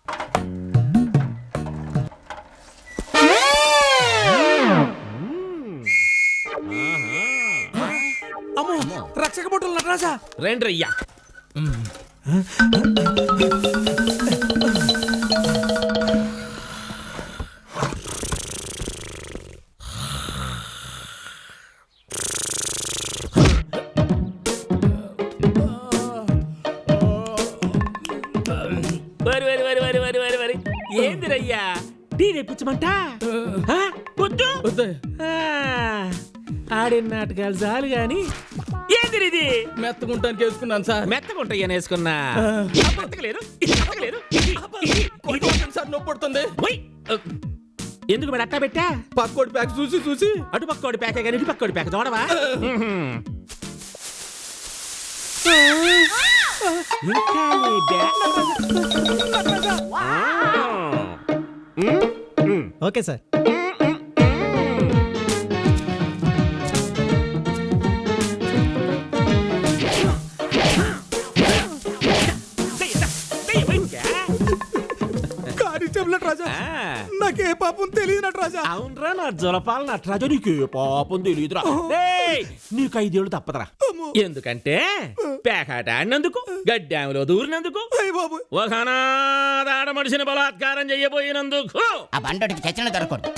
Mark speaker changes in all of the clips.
Speaker 1: అమ్మో రక్షక బొట్టులు నటరాజా
Speaker 2: రేండ్రయ్యా. వరి ఏందిరయ్యా టీ తెప్పించమంట వద్దు. ఆడిన నాటకాలు చాలు గాని ఏందిరిది?
Speaker 1: మెత్తగుంటానికి వేసుకున్నాను సార్.
Speaker 2: మెత్తగుంటాయని వేసుకున్నా
Speaker 1: సార్ నొప్పి పడుతుంది.
Speaker 2: ఎందుకు మరి అట్టా పెట్టా?
Speaker 1: పక్కోడి ప్యాక్ చూసి
Speaker 2: అటు పక్కోడి ప్యాకే కానీ ఇటు పక్కోడి ప్యాక్ చూడవా? ఇంకా
Speaker 3: ఓకే సార్.
Speaker 1: నాకే పాపం తెలియదు నటరాజా.
Speaker 2: అవునరా నా జలపాల నటరాజా, నీకే పాపం తెలియదురా. నీకు 5 ఏళ్ళు తప్పదురా. ఎందుకంటే పేకాట ఆడినందుకు, గడ్డాములో దూరినందుకు, ఒక అనాథ మనిషిని బలాత్కారం చెయ్యబోయినందుకు
Speaker 4: ఆ బండోడికి చచ్చిన దొరకూడదు.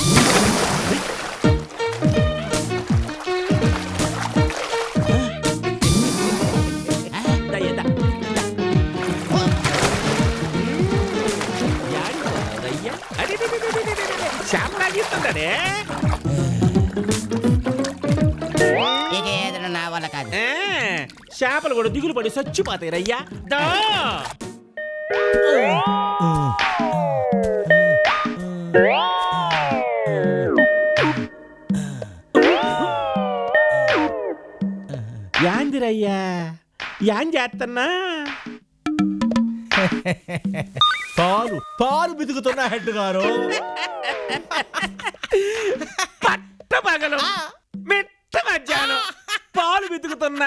Speaker 4: ఇక ఏదైనా నా వల్ల కాదు.
Speaker 2: చేపలు కూడా దిగులు పడి చచ్చిపోతాయి రయ్యా. యాందిరయ్యా యాం చేస్తున్నా?
Speaker 3: పాలు బితుకుతున్నా హెడ్ గారు.
Speaker 2: పట్ట పగలు మెట్ట మధ్యాహ్నం పాలు బితుకుతున్నా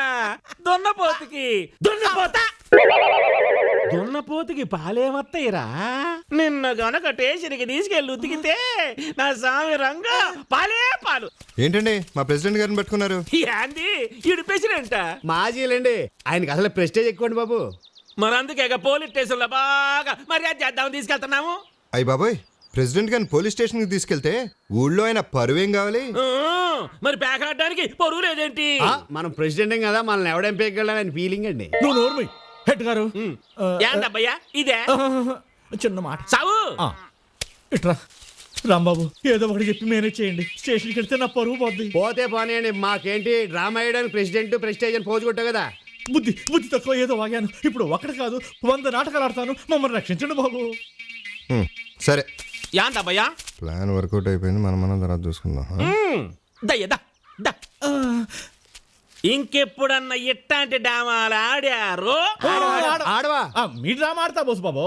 Speaker 2: దున్నపోతుకి పాలేమత్తయిరా. నిన్న గనక టేషన్కి తీసుకెళ్ళి ఉతికితే నా స్వామి రంగా పాలే పాలు.
Speaker 5: ఏంటండి మా ప్రెసిడెంట్ గారిని పెట్టుకున్నారు?
Speaker 2: యాంది ఈడు ప్రెసిడెంట్?
Speaker 1: మాజీలండి, ఆయనకి అసలు ప్రెస్టేజ్ ఎక్కువండి బాబు.
Speaker 2: మరందుకే పోలీస్ స్టేషన్ లో బాగా మర్యాద చేద్దామని తీసుకెళ్తున్నాము.
Speaker 5: అయ్య బాబోయ్, ప్రెసిడెంట్ గారిని పోలీస్ స్టేషన్ కి తీసుకెళ్తే ఊళ్ళో ఆయన పరువేం కావాలి?
Speaker 2: మరి పేకాడడానికి పరువు లేదేంటి?
Speaker 1: మనం ప్రెసిడెంట్ కదా, మనల్ని ఎవడేం పేగలని ఫీలింగ్ అండి.
Speaker 3: నువ్వు నోర్మి హెడ్ గారు.
Speaker 2: ఏందబ్బయ్యా ఇదే?
Speaker 3: చిన్న మాట
Speaker 2: సావు
Speaker 3: ఇట్రా రాంబాబు, ఏదో ఒకటి చెప్పి మేనేజ్ చేయండి. స్టేషన్కి వెళ్తే నా పరువు పోద్ది.
Speaker 1: పోతే పోనీయండి, మాకేంటి డ్రామా వేయడానికి ప్రెసిడెంట్ ప్రెస్టేజ్ అని పోజు కొట్టావు కదా.
Speaker 3: బుద్ధి తక్కువ ఏదో వాగాను. ఇప్పుడు ఒకటి కాదు 100 నాటకాలు ఆడతాను. మమ్మల్ని రక్షించండి బాబు.
Speaker 5: సరే,
Speaker 2: ఏందబ్బయ్యా?
Speaker 5: ప్లాన్ వర్కౌట్ అయిపోయింది, మనం తర్వాత చూసుకుందాం.
Speaker 2: దయ్యదా ఇంకెప్పుడన్నా ఇట్లాంటి డ్రామాలు ఆడారు?
Speaker 1: ఆడవా
Speaker 3: మీ డ్రామా ఆడతా బోసు బాబు.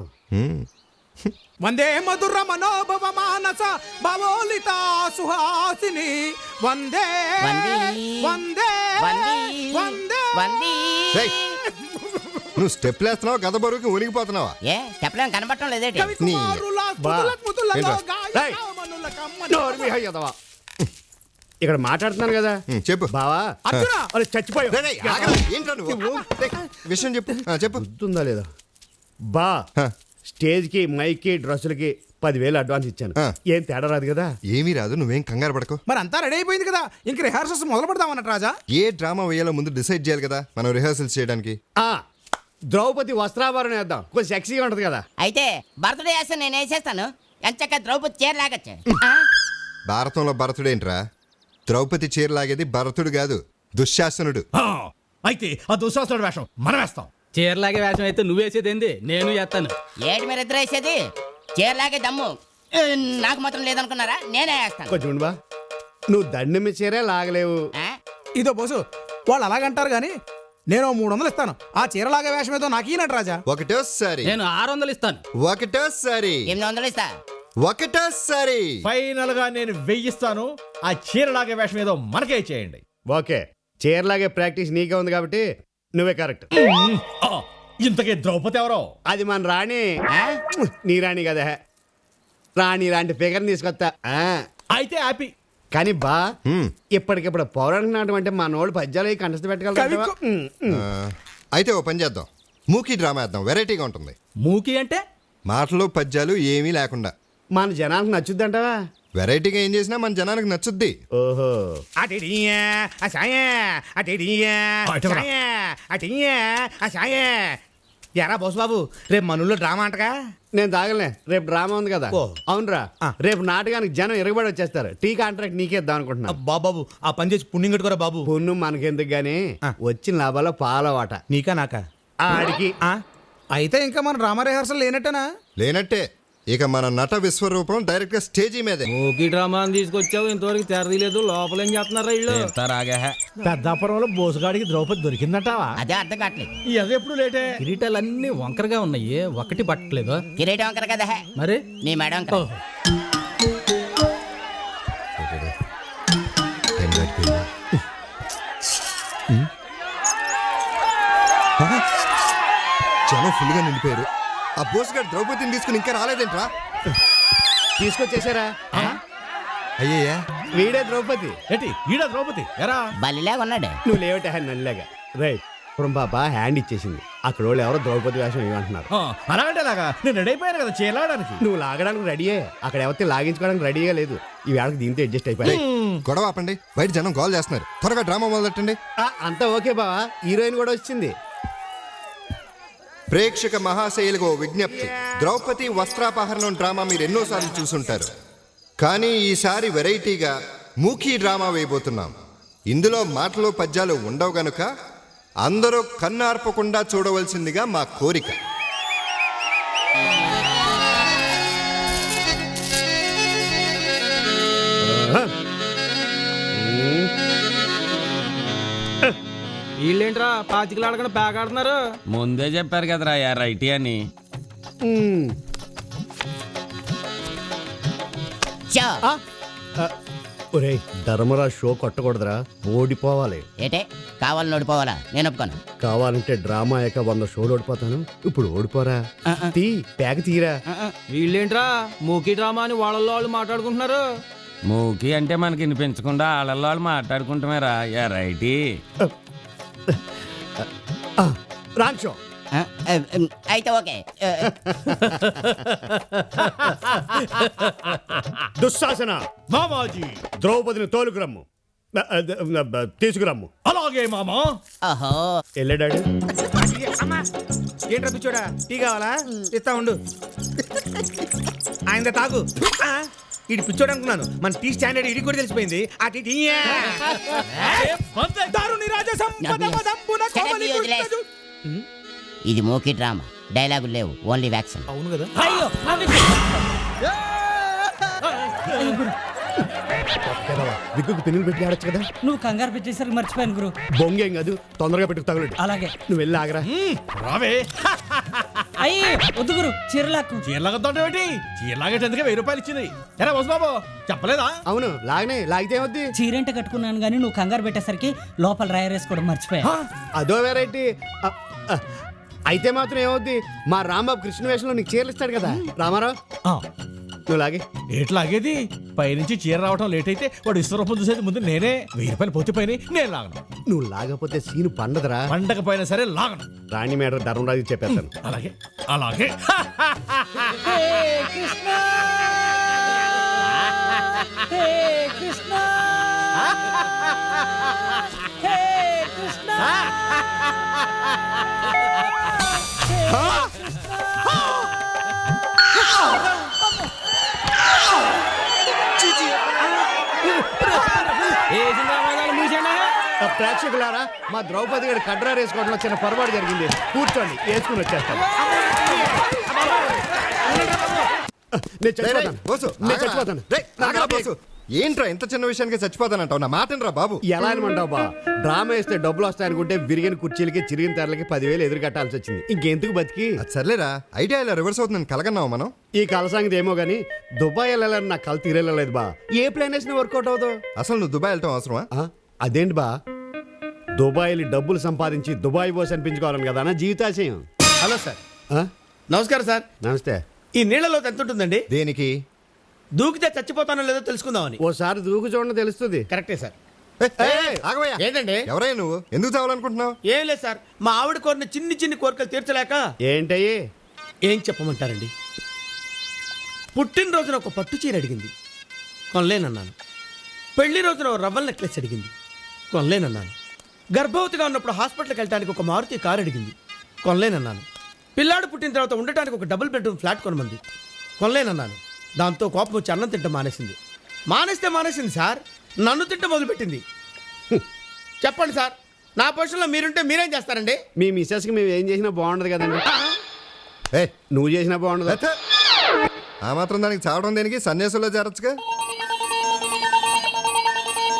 Speaker 6: వందే మధుర మనోభవ మానస భవోలిత సుహాసిని వందే వందే
Speaker 4: వందే.
Speaker 5: నువ్వు స్టెప్ వేస్తున్నావా? గద బరువుకి ఉనిగిపోతున్నావా?
Speaker 4: ఏ చెప్పలేం కనబడటం లేదేటి?
Speaker 1: ఇక్కడ మాట్లాడుతున్నాను కదా.
Speaker 5: చెప్పు
Speaker 1: బావా. చచ్చిపోయా
Speaker 5: విషయం చెప్పు. చెప్పు.
Speaker 1: గుర్తుందా లేదా బా? స్టేజ్ కి మైక్ కి డ్రెస్సులకి 10,000 అడ్వాన్స్ ఇచ్చాను. ఏం తేడా రాదు కదా?
Speaker 5: ఏమీ రాదు, నువ్వేం కంగారు పడకు.
Speaker 6: మరి అంతా రెడీ అయిపోయింది కదా, ఇంక రిహార్సల్స్ మొదలు పెడదామన్నట్టు రాజా.
Speaker 5: ఏ డ్రామా వేయాలో ముందు డిసైడ్ చేయాలి కదా మనం రిహార్సల్స్ చేయడానికి.
Speaker 1: ద్రౌపది వస్త్రాభరణ వేద్దాం, కొంచెం సెక్సీగా ఉంటది కదా.
Speaker 4: అయితే బర్త్డే చేస్తే నేను వేసేస్తాను. ఎంచక్క ద్రౌపది చీర లాగచ్చు.
Speaker 5: భారతంలో భరతుడు ఏంట్రా? ద్రౌపది చీర లాగేది భరతుడు కాదు, దుశ్శాసనుడు.
Speaker 3: అయితే ఆ దుశ్శాసనుడు వేషం మనం వేస్తాం.
Speaker 7: చీరలాగే వేషం అయితే నువ్వేసేది ఏంది? నేను చేస్తాను.
Speaker 4: ఏడు మీరు ఇద్దరు వేసేది చీరలాగే దమ్ము నాకు మాత్రం లేదనుకున్నారా? నేనే వేస్తాను.
Speaker 1: కొంచెం బా, నువ్వు దండం మీద చీరే లాగలేవు.
Speaker 6: ఇదో బోసు, వాళ్ళు అలాగంటారు గాని నేను 300 ఇస్తాను. ఆ చీరలాగా వేషం ఏదో నాకు ఈనట్టు రాజా.
Speaker 5: ఒకటోసారి
Speaker 7: నేను 600 ఇస్తాను.
Speaker 5: ఒకటోసారి
Speaker 4: 800 ఇస్తా.
Speaker 5: ఒకటోసారి
Speaker 3: ఫైనల్ గా నేను 1000 ఇస్తాను. ఆ చీరలాగే వేషం ఏదో మనకే చేయండి.
Speaker 1: ఓకే, చీరలాగే ప్రాక్టీస్ నీకే ఉంది కాబట్టి నువ్వే కరెక్ట్.
Speaker 3: ఇంతకీ ద్రౌపది ఎవరో?
Speaker 1: అది మన రాణి.
Speaker 4: ఆ?
Speaker 1: నీ రాణి కదా, రాణి లాంటి ఫిగర్ తీసుకొస్తా.
Speaker 3: అయితే హ్యాపీ.
Speaker 1: కానీ బా ఇప్పటికిప్పుడు పౌరాణిక నాటం అంటే మన వాళ్ళు పద్యాలు కంటస్థ పెట్టగలరు.
Speaker 5: అయితే ఓ పని చేద్దాం, మూకీ డ్రామా వేద్దాం, వెరైటీగా ఉంటుంది.
Speaker 7: మూకి అంటే
Speaker 5: మాటలు పద్యాలు ఏమీ లేకుండా
Speaker 1: మన జనానికి నచ్చుద్దంటావా?
Speaker 5: వెరైటీగా ఏం చేసినా మన జనానికి నచ్చుద్ది.
Speaker 1: ఓహో,
Speaker 6: ఎరా బోస్ బాబు, రేపు మనూళ్ళో డ్రామా అంటగా.
Speaker 1: నేను తాగలే, రేపు డ్రామా ఉంది కదా.
Speaker 6: ఓ.
Speaker 1: అవునరా, రేపు నాటకానికి జనం ఎరగబడి వచ్చేస్తారు. టీ కాంట్రాక్ట్ నీకే ఇద్దాం అనుకుంటున్నా.
Speaker 6: బాబు ఆ పని చేసి పుణ్యం కట్టుకోరా బాబు.
Speaker 1: పున్ను మనకెందుకు గానీ వచ్చిన లాభాల్లో పాలవాట
Speaker 6: నీకా నాకా?
Speaker 1: ఆడికి.
Speaker 6: అయితే ఇంకా మన డ్రామా రిహార్సల్ లేనట్టేనా?
Speaker 5: లేనట్టే. ఇక మన నట విశ్వరూపం డైరెక్ట్ గా స్టేజీ మీదే.
Speaker 7: మూకి డ్రామా అని తీసుకొచ్చావు, ఇంతవరకు తెరదీలేదు. లోపల ఏం చేస్తున్నారా వీళ్ళు?
Speaker 3: పెద్దాపురంలో బోసుగాడికి ద్రౌపది దొరికిందటావా?
Speaker 4: అదే అర్థం కావట్లేదు.
Speaker 3: అది ఎప్పుడు లేటే.
Speaker 7: కిరీటాలన్నీ వంకరగా ఉన్నాయి, ఒకటి పట్టలేదు.
Speaker 4: కిరీటం వంకర కదా,
Speaker 7: మరి
Speaker 4: నీ మేడం వంకర.
Speaker 5: టైం దాటిపోయింది. జనం ఫుల్ గా నిండిపోయారు. ఆ బోస్ గారు ద్రౌపదిని తీసుకుని ఇంకా రాలేదేంట్రా?
Speaker 1: తీసుకొచ్చేసారా?
Speaker 5: అయ్యయ్యా,
Speaker 1: వీడే ద్రౌపది.
Speaker 3: ఏంటి ఈడ ద్రౌపది ఎరా?
Speaker 4: బలిలాగా ఉన్నాడు.
Speaker 1: నువ్వు లేవటే నల్లాగా. రైట్, ఇప్పుడు పాప హ్యాండ్ ఇచ్చేసింది. అక్కడ వాళ్ళు ఎవరో ద్రౌపది వేషం ఏమంటున్నారు.
Speaker 3: అలాగంటే లాగా నేను రెడీ అయిపోయాను కదా చేలాడడానికి.
Speaker 1: నువ్వు లాగడానికి రెడీయే, అక్కడ ఎవరితో లాగించుకోవడానికి రెడీగా లేదు. ఈ వేళకి దీంతో అడ్జస్ట్ అయిపోయాయి.
Speaker 5: గొడవ ఆపండి, బయట జనం కాల్ చేస్తున్నారు. త్వరగా డ్రామా మొదలెట్టండి.
Speaker 1: అంతా ఓకే బావా, హీరోయిన్ కూడా వచ్చింది.
Speaker 5: ప్రేక్షక మహాశైలకు ఓ విజ్ఞప్తి. ద్రౌపది వస్త్రాపహరణం డ్రామా మీరు ఎన్నోసార్లు చూసుంటారు, కానీ ఈసారి వెరైటీగా మూకీ డ్రామా వేయబోతున్నాం. ఇందులో మాటలు పద్యాలు ఉండవు గనుక అందరూ కన్నార్పకుండా చూడవలసిందిగా మా కోరిక.
Speaker 7: వీళ్ళేంట్రా పాతికలు ఆడకుండా బ్యాగ్ ఆడుతున్నారు?
Speaker 2: ముందే చెప్పారు కదరా రైటీ అని.
Speaker 4: చో.
Speaker 1: ఒరే ధర్మరాజ్ షో కొట్టకూడదురా, ఓడిపోవాలి.
Speaker 4: ఏటే కావాలని ఓడిపోవాలా? నేను ఒప్పుకోను.
Speaker 1: కావాలంటే డ్రామా అయ్యాక 100 షోలు ఓడిపోతాను. ఇప్పుడు ఓడిపోరా, తీ పేక తీరా.
Speaker 7: వీళ్ళేంట్రా మూకీ డ్రామా అని వాళ్ళల్లో వాళ్ళు మాట్లాడుకుంటున్నారు?
Speaker 2: మూకీ అంటే మనకి వినిపించకుండా వాళ్ళల్లో వాళ్ళు మాట్లాడుకుంటామేరా రైటీ.
Speaker 1: Wrong show.
Speaker 4: అయితే ఓకే.
Speaker 1: దుశ్శాసన,
Speaker 3: మామాజీ
Speaker 1: ద్రౌపదిని తోలుకురమ్ము, తీసుకురమ్ము.
Speaker 3: అలాగే మామా.
Speaker 4: ఓహో,
Speaker 1: వెళ్ళాడు.
Speaker 6: ఏంట్రా పిచ్చోడా, టీ కావాలా? ఇస్తా ఉండు. ఆయన తాగు. ఇటు పిచ్చోడు అనుకున్నాను, మన టీ స్టాండర్డ్ ఇడి కూడా తెలిసిపోయింది. ఆ టీ
Speaker 4: ఇది మోకీ డ్రామా, డైలాగులు లేవు, ఓన్లీ వ్యాక్సిన్.
Speaker 6: అవును కదా.
Speaker 1: విగ్గుకు పిన్నులు పెట్టి ఆడొచ్చు కదా.
Speaker 8: నువ్వు కంగారు పెట్టేసరికి మర్చిపోయాను గురు.
Speaker 1: బొంగేం కాదు, తొందరగా పెట్టుకు తగలడు.
Speaker 8: అలాగే.
Speaker 1: నువ్వు వెళ్ళి ఆగరా.
Speaker 3: రావే.
Speaker 8: అయ్యి వద్దు గురు, చీరలాక్కు.
Speaker 3: చీరలాగొద్దంటే చీరలాగేటందుకే 1000 రూపాయలు ఇచ్చింది. ఎరా బోస్ బాబు చెప్పలేదా?
Speaker 1: అవును, లాగనే, లాగితే ఏమవుద్ది?
Speaker 8: చీరేంట కట్టుకున్నాను కానీ నువ్వు కంగారు పెట్టేసరికి లోపల రాయరేసుకోవడం మర్చిపోయా.
Speaker 1: అదో వెరైటీ. అయితే మాత్రం ఏమవుద్ది, మా రాంబాబు కృష్ణ వేషంలో నీకు చీరలు ఇస్తాడు కదా. రామారావు నువ్వు లాగే.
Speaker 3: ఏట్లాగేది పైనుంచి చీర రావటం లేట్ అయితే వాడు విశ్వరూపం చూసేది ముందు నేనే. 1000 రూపాయలు పోతే పైన నేను లాగను.
Speaker 1: నువ్వు లాగపోతే సీను పండదురా.
Speaker 3: పండకపోయినా సరే లాగను.
Speaker 1: రాణి మేడ ధర్మరాజు చెప్పేస్తాను.
Speaker 3: అలాగే అలాగే.
Speaker 8: కృష్ణ కృష్ణ కృష్ణ.
Speaker 1: ప్రేక్షకులారా, మా ద్రౌపది గారి కడ్రా వేసుకోవడంలో చిన్న పొరపాటు జరిగింది. కూర్చోండి, వేసుకుని వచ్చేస్తాను. నేను చచ్చిపోతాను.
Speaker 5: బోసు,
Speaker 1: నేను
Speaker 5: ఆగరా.
Speaker 1: చచ్చిపోతాను.
Speaker 5: రేయ్, ఆగరా బోసు. ఏంట్రా ఇంత చిన్న విషయానికి చచ్చిపోతానంటావు? నా మాటనరా బాబు.
Speaker 1: ఎలా అనమంటావు బా? డ్రామా వేస్తే డబ్బులు వస్తాయనుకుంటే విరిగిన కుర్చీలకి చిరిగిన తెరలకి 10,000 ఎదురు కట్టాల్సి వచ్చింది. ఇంకెందుకు బతికి?
Speaker 5: అది సర్లేరా, ఐడియా ఇలా రివర్స్ అవుతుందని కలగన్నావు మనం.
Speaker 1: ఈ కల సంగతి ఏమో గానీ దుబాయ్ వెళ్ళాలని నా కల తీరేలేదు బా. ఏ ప్లాన్ వేసినా వర్కౌట్ అవుతావు.
Speaker 5: అసలు నువ్వు దుబాయ్ వెళ్ళటం అవసరమా?
Speaker 1: అదేంటి బా, దుబాయ్లు డబ్బులు సంపాదించి దుబాయ్ బోస్ అనిపించుకోవాలని కదా నా జీవితాశయం.
Speaker 9: Hello sir.
Speaker 1: ఆ?
Speaker 9: నమస్కారం సార్.
Speaker 1: నమస్తే.
Speaker 9: ఈ నీళ్ళలో ఎంత ఉంటుందండి?
Speaker 5: దేనికి?
Speaker 9: దూకితే చచ్చిపోతానో లేదో తెలుసుకుందామని.
Speaker 1: ఓసారి దూకు చూడండి తెలుస్తుంది.
Speaker 9: కరెక్టే సార్.
Speaker 5: ఆగవయ్యా.
Speaker 9: ఏంటండి?
Speaker 5: ఎవరయ్యా నువ్వు? ఎందుకు చావాలనుకుంటున్నావు?
Speaker 9: ఏం లేదు సార్, మా ఆవిడ కోరిన చిన్ని చిన్ని కోరికలు తీర్చలేక.
Speaker 1: ఏంటయ్యి?
Speaker 9: ఏం చెప్పమంటారండి, పుట్టినరోజున ఒక పట్టు చీర అడిగింది, కొనలేనన్నాను. పెళ్లి రోజున ఒక రవ్వల నెక్లెస్ అడిగింది, కొనలేనన్నాను. గర్భవతిగా ఉన్నప్పుడు హాస్పిటల్కి వెళ్ళడానికి ఒక మారుతి కారు అడిగింది, కొనలేనన్నాను. పిల్లాడు పుట్టిన తర్వాత ఉండటానికి ఒక డబుల్ బెడ్రూమ్ ఫ్లాట్ కొనమంది, కొనలేనన్నాను. దాంతో కోపం వచ్చి అన్నం తింట మానేసింది. మానేసింది సార్, నన్ను తింట మొదలుపెట్టింది. చెప్పండి సార్, నా పొజిషన్లో మీరుంటే మీరేం చేస్తారండి?
Speaker 1: మీ మిస్సెస్కి మేము ఏం చేసినా బాగుండదు కదండి.
Speaker 5: ఏ
Speaker 1: నువ్వు చేసినా బాగుండదు.
Speaker 5: ఆ మాత్రం దానికి చావడం దేనికి? సన్యాసంలో చేరొచ్చుగా.